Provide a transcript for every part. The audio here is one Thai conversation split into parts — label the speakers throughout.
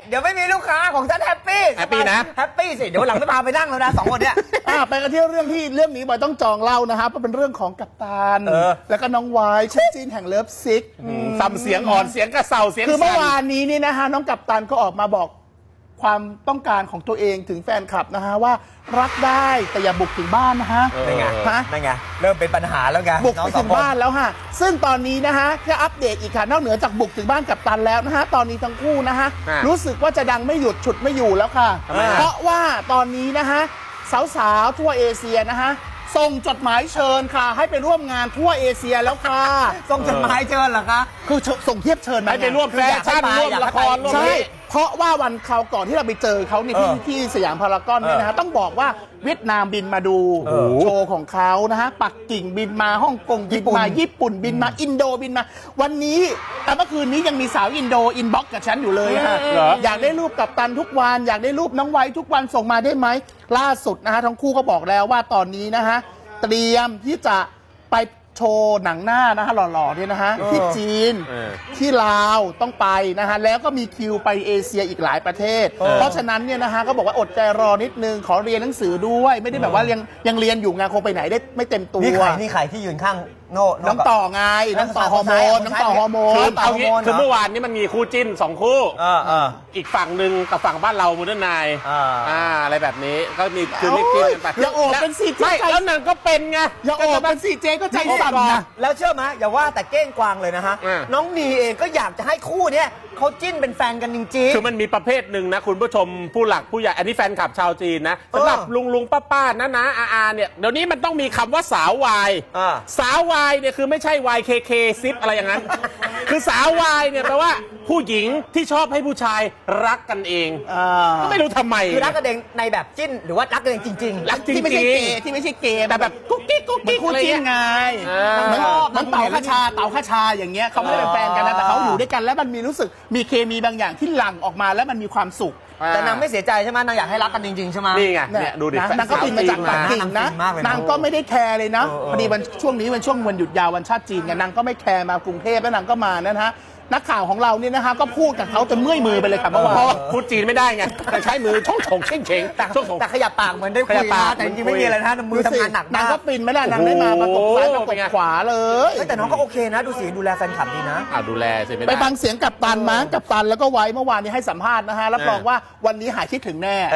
Speaker 1: เดี๋ยวไม่มีลูกค้าของฉันแฮปปี้นะแฮปปี้สิเดี๋ยวหลังจะพาไปนั่งแล้วนะ2 คนเนี่ย
Speaker 2: ไปกันที่เรื่องนี้บอยต้องจองเล่านะครับเพราะเป็นเรื่องของกัปตันแล้วก็น้องวายคู่จิ้นแห่งเลิฟซิก
Speaker 3: ซ้ำเสียงอ่อนเสียงกระเซาเสียง
Speaker 2: คือเมื่อวานนี้นี่นะฮะน้องกัปตันก็ออกมาบอกความต้องการของตัวเองถึงแฟนคลับนะฮะว่ารักได้แต่อย่าบุกถึงบ้านนะฮะ
Speaker 1: นั่นไงเริ่มเป็นปัญหาแล้วไง
Speaker 2: บุกไปถึงบ้านแล้วฮะซึ่งตอนนี้นะฮะจะอัปเดตอีกค่ะนอกเหนือจากบุกถึงบ้านกัปตันแล้วนะฮะตอนนี้ทั้งคู่นะฮะรู้สึกว่าจะดังไม่หยุดฉุดไม่อยู่แล้วค่ะเพราะว่าตอนนี้นะฮะสาวๆทั่วเอเชียนะฮะส่งจดหมายเชิญค่ะให้ไปร่วมงานทั่วเอเชียแล้วค่ะ
Speaker 1: ส่งจดหมายเชิญเหรอคะ
Speaker 2: คือส่งเทียบเชิญ
Speaker 3: ให้ไปร่วมแฟชั่นร่วมละคร
Speaker 2: ใช่เพราะว่าวันคราวก่อนที่เราไปเจอเขาที่สยามพารากอนเนี่ยนะฮะต้องบอกว่าเวียดนามบินมาดูโชว์ของเขานะฮะปักกิ่งบินมาฮ่องกงบินมาญี่ปุ่นบินมาอินโดบินมาวันนี้แต่เมื่อคืนนี้ยังมีสาวอินโดอินบ็อกกับฉันอยู่เลยฮะอยากได้รูปกัปตันทุกวันอยากได้รูปน้องไว้ทุกวันส่งมาได้ไหมล่าสุดนะฮะทั้งคู่ก็บอกแล้วว่าตอนนี้นะฮะเตรียมที่จะไปโชว์หนังหน้านะฮะหล่อๆเนี่ยนะฮะที่จีนที่ลาวต้องไปนะฮะแล้วก็มีคิวไปเอเชียอีกหลายประเทศเพราะฉะนั้นเนี่ยนะฮะก็บอกว่าอดใจรอนิดนึงขอเรียนหนังสือด้วยไม่ได้แบบว่ายังเรียนอยู่งานคงไปไหนได้ไม่เต็มตัว
Speaker 1: นี่ใครที่ยืนข้าง
Speaker 2: น้องต่อไงน้องต่อฮอร์โมน
Speaker 3: คือเมื่อวานนี้มันมีคู่จิ้น2 คู่อีกฝั่งหนึ่งกับฝั่งบ้านเราโมเดิร์นไนน์อะไรแบบนี้ก็มีคือไม่กินกันไป
Speaker 2: อย่าโอบเป็นซีเจ
Speaker 3: แล้วนางก็เป็นไง
Speaker 2: อย่าโอบเป็นซีเจก็ใจสั่นนะ
Speaker 1: แล้วเชื่อไหมอย่าว่าแต่เก้งกวางเลยนะฮะน้องนีเองก็อยากจะให้คู่เนี้ยเขาจิ้นเป็นแฟนกันจริงๆ
Speaker 3: คือมันมีประเภทหนึ่งนะคุณผู้ชมผู้หลักผู้ใหญ่อันนี้แฟนคลับชาวจีนนะสำหรับลุงป้านะอาเนี่ยเดี๋ยวนี้มันต้องมีคำว่าสาววายสาววายเนี่ยคือไม่ใช่ YKK ซิปอะไรอย่างนั้นคือสาววายเนี่ยแปลว่าผู้หญิงที่ชอบให้ผู้ชายรักกันเองก็ไม่รู้ทำไม
Speaker 1: คือรักกันเองในแบบจิ้นหรือว่ารักกันเองจริง
Speaker 3: ๆรักจริง
Speaker 2: ที่ไม่ใช่เกย์แต่แบบกุ๊กกิ๊กคู่จิ้นไงมันเต่าข้าชาอย่างเงี้ยเขาไม่ได้เป็นแฟนกันนะแต่เขาอยู่ด้วยกันแล้วมันมีรู้สึกมีเคมีบางอย่างที่หลั่งออกมาแล้วมันมีความสุข
Speaker 1: แต่นางไม่เสียใจใช่ไหมนางอยากให้รักกันจริงๆใช่ไหม
Speaker 3: นี่ไงเนี่ยดูดิ
Speaker 2: นางก็บินมาจากปักกิ่งนะนางก็ไม่ได้แคร์เลยนะพอดีวันช่วงนี้เป็นช่วงวันหยุดยาววันชาติจีนไงนางก็ไม่แคร์มากรุงเทพแล้วนางก็มานะฮะนักข่าวของเราเนี่ยนะคะก็พูดกับเขาจนเมื่อยมือไปเลยค่ะเพราะว่า
Speaker 3: พูดจีนไม่ได้ไงแต่ใช้มือช่องฉงเช่ง
Speaker 1: แต่ขยับปากเหมือนได้คุยนะแต่จริงๆไม่มีอะไรนะมือทำงานหนัก
Speaker 2: นางก็ปินไม่ได้นางได้มาประกบซ้ายประกบขวาเลย
Speaker 1: แต่น้องก็โอเคนะดูสิดูแลแฟนคลับดีนะ
Speaker 3: ดูแลสิ
Speaker 2: ไปฟังเสียงกัปตันมั้งกัปตันแล้วก็ไว้เมื่อวานนี้ให้สัมภาษณ์นะฮะรับรองว่าวันนี้หายคิดถึงแน่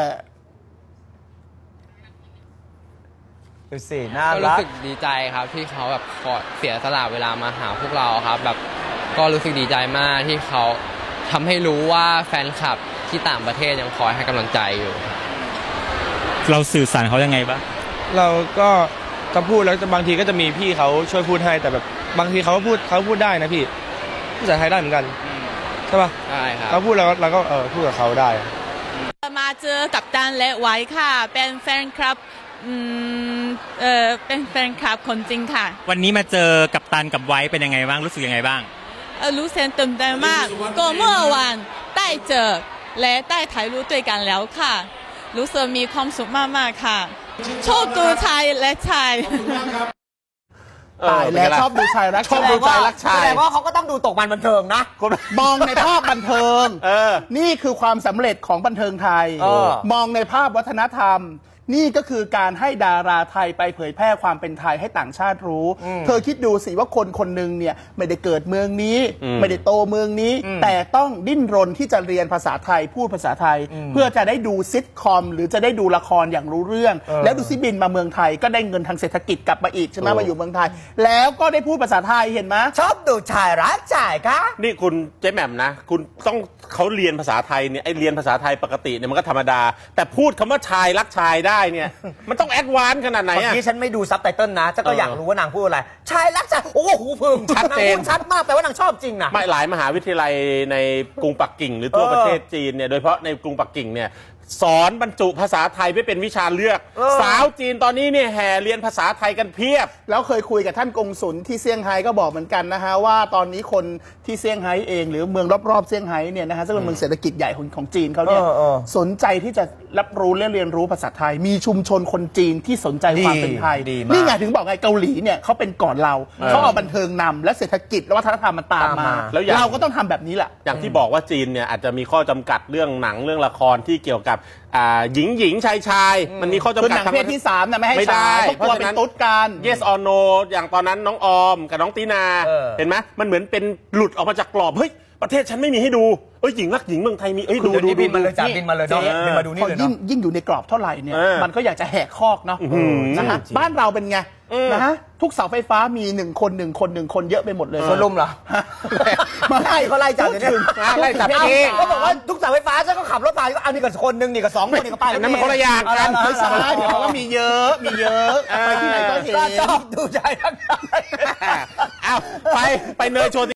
Speaker 1: ดูสิน่ารัก
Speaker 4: รู้สึกดีใจครับที่เขาแบบขอเสียสละเวลามาหาพวกเราครับแบบก็รู้สึกดีใจมากที่เขาทำให้รู้ว่าแฟนคลับที่ต่างประเทศยังคอยให้กำลังใจอยู่
Speaker 5: เราสื่อสารเขายังไงบ้าง
Speaker 6: เราก็จะพูดแล้วบางทีก็จะมีพี่เขาช่วยพูดให้แต่แบบบางทีเขาพูดได้นะพี่ภาษาไทยได้เหมือนกันใช่ป่ะ
Speaker 4: ใช่ครับ
Speaker 6: เขาพูดแล้วเราก็พูดกับเขาได้
Speaker 7: มาเจอกับตันและไว้ค่ะเป็นแฟนคลับเป็นแฟนคลับคนจริงค่ะ
Speaker 5: วันนี้มาเจอกับตันกับไว้เป็นยังไงบ้างรู้สึกยังไงบ้าง
Speaker 7: รู้สึกตื่นเต้นมากก็เมื่อวานได้เจอและได้ถ่ายรูปด้วยกันแล้วค่ะรู้สึกมีความสุขมากๆค่ะชอบดูชายและชาย
Speaker 2: ตายแล้วชอบดูชายรัก
Speaker 1: ชอบดูชายรักชายแต่ว่าเขาก็ต้องดูตกมันบันเทิงนะ
Speaker 2: มองในภาพบันเทิงนี่คือความสำเร็จของบันเทิงไทยมองในภาพวัฒนธรรมนี่ก็คือการให้ดาราไทยไปเผยแพร่ความเป็นไทยให้ต่างชาติรู้เธอคิดดูสิว่าคนหนึ่งเนี่ยไม่ได้เกิดเมืองนี้ไม่ได้โตเมืองนี้แต่ต้องดิ้นรนที่จะเรียนภาษาไทยพูดภาษาไทยเพื่อจะได้ดูซิทคอมหรือจะได้ดูละครอย่างรู้เรื่องแล้วดูซิบินมาเมืองไทยก็ได้เงินทางเศรษฐกิจกลับมาอีกใช่ไหมมาอยู่เมืองไทยแล้วก็ได้พูดภาษาไทยเห็นไหม
Speaker 1: ชอบดูชายรักชายคะ
Speaker 3: นี่คุณเจ๊แหม่มนะคุณต้องเขาเรียนภาษาไทยเนี่ยไอเรียนภาษาไทยปกติเนี่ยมันก็ธรรมดาแต่พูดคำว่าชายรักชายได้เนี่ยมันต้องแอดวานซ์ขนาดไหนอ่ะ
Speaker 1: ที่ฉันไม่ดูซับไตเติลนะฉันก็อยากรู้ว่านางพูดอะไรชายรักชายโอ้โหพึง
Speaker 3: ชัดเจน
Speaker 1: ชัดมากแปลว่านางชอบจริงนะ
Speaker 3: ไม่หลายมหาวิทยาลัยในกรุงปักกิ่งหรือทั่วประเทศจีนเนี่ยโดยเฉพาะในกรุงปักกิ่งเนี่ยสอนบรรจุภาษาไทยไม่เป็นวิชาเลือกสาวจีนตอนนี้เนี่ยแห่เรียนภาษาไทยกันเพียบ
Speaker 2: แล้วเคยคุยกับท่านกงสุลที่เซี่ยงไฮ้ก็บอกเหมือนกันนะฮะว่าตอนนี้คนที่เซี่ยงไฮ้เองหรือเมืองรอบๆเซี่ยงไฮ้เนี่ยนะฮะซึ่งเป็นเมืองเศรษฐกิจใหญ่ของจีนเขาเนี่ยสนใจที่จะรับรู้และเรียนรู้ภาษาไทยมีชุมชนคนจีนที่สนใจความเป็นไทยนี่ไงถึงบอกไงเกาหลีเนี่ยเขาเป็นก่อนเราเขาเอาบันเทิงนำและเศรษฐกิจและวัฒนธรรมมันตามมาแล้วเราก็ต้องทำแบบนี้แหละ
Speaker 3: อย่างที่บอกว่าจีนเนี่ยอาจจะมีข้อจำกัดเรื่องหนังเรื่องละครที่เกี่ยวกับหญิงชายมันมีข้อจำกัด
Speaker 2: ทางเพศที่3นะไม่ให้ฉายเพราะว่าเป็นตุ๊ดกัน
Speaker 3: yes or no อย่างตอนนั้นน้องออมกับน้องตีนาเห็นไหมมันเหมือนเป็นหลุดออกมาจากกรอบเฮ้ยประเทศฉันไม่มีให้ดูหญิงรักหญิงเมืองไทยมีดู
Speaker 1: บินมาเลยจ้ะบินมาเลยเนาะบินมาดูนี่เลยเนาะ
Speaker 2: ยิ่งอยู่ในกรอบเท่าไหร่เนี่ยมันก็อยากจะแหกคอกเนาะนะฮะบ้านเราเป็นไงนะฮะทุกเสาไฟฟ้ามี1 คนเยอะไปหมดเลย
Speaker 1: โซลุ่มเหรอมาไล่เขาไล่จับอย่างนี้
Speaker 3: ไล่จับเอง
Speaker 1: ก็บอกว่าทุกเสาไฟฟ้าฉันก็ขับรถไปก็เอานี่กับคนนึงนี่กับ2 คนนี่ก็ไป
Speaker 3: นั่นมันคนละอย่างกัน
Speaker 2: ไฟฟ้าเดี๋ยวเขาก็มีเยอะไปที่ไหนก็เห็น
Speaker 1: ชอบดูใจทั้งนั้น
Speaker 3: ไปเนยโชว์